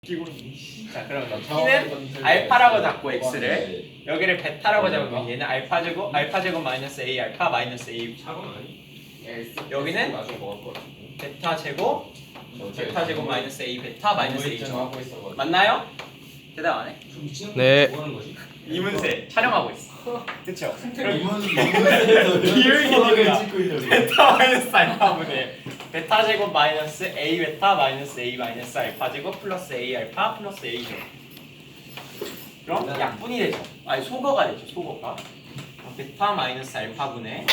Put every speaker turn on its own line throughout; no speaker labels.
자 그럼 t는 알파라고 잡고 x를 여기를 베타라고 잡으면 얘는 알파제곱 마이너스 a 알파 마이너스 a 여기는 베타제곱 마이너스 a 베타 마이너스 a죠. 맞나요? 대답 안 해?
네.
이문세 촬영하고 있어. 그쵸?
이문세에서
비율이 베타 마이너스 알파분의 베타 제곱 마이너스 a 베타 마이너스 a 마이너스 알파 제곱 플러스 a 알파 플러스 a죠. 그럼 약분이 되죠. 아니 소거가 되죠. 소거가 베타 마이너스 알파분의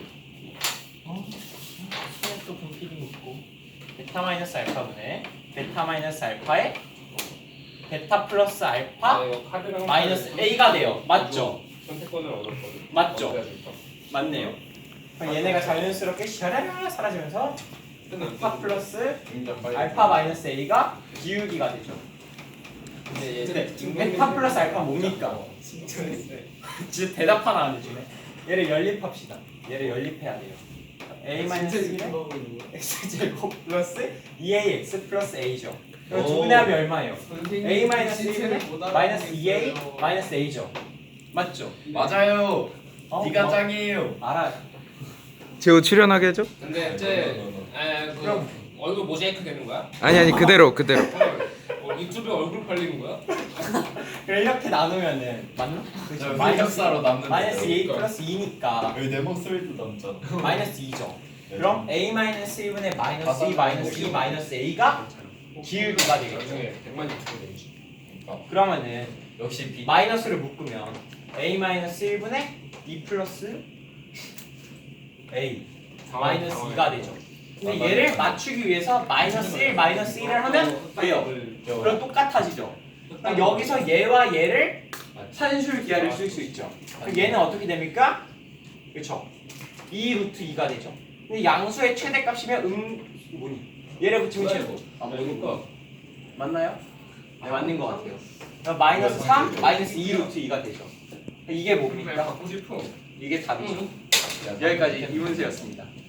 손에 또 분필이 있고 베타 마이너스 알파분의 베타 마이너스 알파의 베타 플러스 알파 마이너스 a가 돼요. 맞죠?
선택권을 얻었거든.
맞죠? 맞네요. 그럼 얘네가 자연스럽게 샤라라 사라지면서 베타 플러스 알파 마이너스 a가 기울기가 되죠. 근데 베타 플러스 알파 뭡니까? 진짜 대답 하나 안 해주네. 얘를 연립합시다. 얘를 연립해야 돼요. a 마이너스 1에 x제곱 플러스 2ax 플러스 a죠. 그럼 두 분의 합이 얼마예요? a 마이너스 1에 마이너스 2a 마이너스 a죠. 맞죠?
맞아요. 네가
뭐?
짱이에요.
알아요.
제호 출연하게 해줘?
근데 이제
그럼.
얼굴 모자이크 되는 거야?
아니 그대로.
유튜브에 얼굴 팔리는 거야?
그럼 이렇게 나누면은 맞나? 그렇죠.
마이너스로 남는
마이너스 a 플러스 2니까
여기 내 목소리도 남잖아.
마이너스 2죠. 그럼 a 마이너스 1분의 마이너스 2 마이너스 2 마이너스 a가 기울기가 되겠죠.
나중에 100만 유튜브 되지.
그러면은
역시 B.
마이너스를 묶으면 a 마이너스 1분의 2 플러스 a 마이너스 2가 되죠. 근데 얘를 맞추기 위해서 마이너스 1 마이너스 1을 하면 돼요. 그럼 똑같아지죠. 그럼 여기서 얘와 얘를 산술 기하를 쓸 수 있죠. 그럼 얘는 어떻게 됩니까? 그렇죠. 2 루트 2가 되죠. 근데 양수의 최대값이면 뭐니? 얘를 붙이면 최고.
그러니까
맞나요? 네, 맞는 것 같아요. 그럼 마이너스 3 마이너스 2 루트 2가 되죠. 이게 뭡니까?
갖고 싶어.
이게 답이죠. 여기까지 이문세였습니다.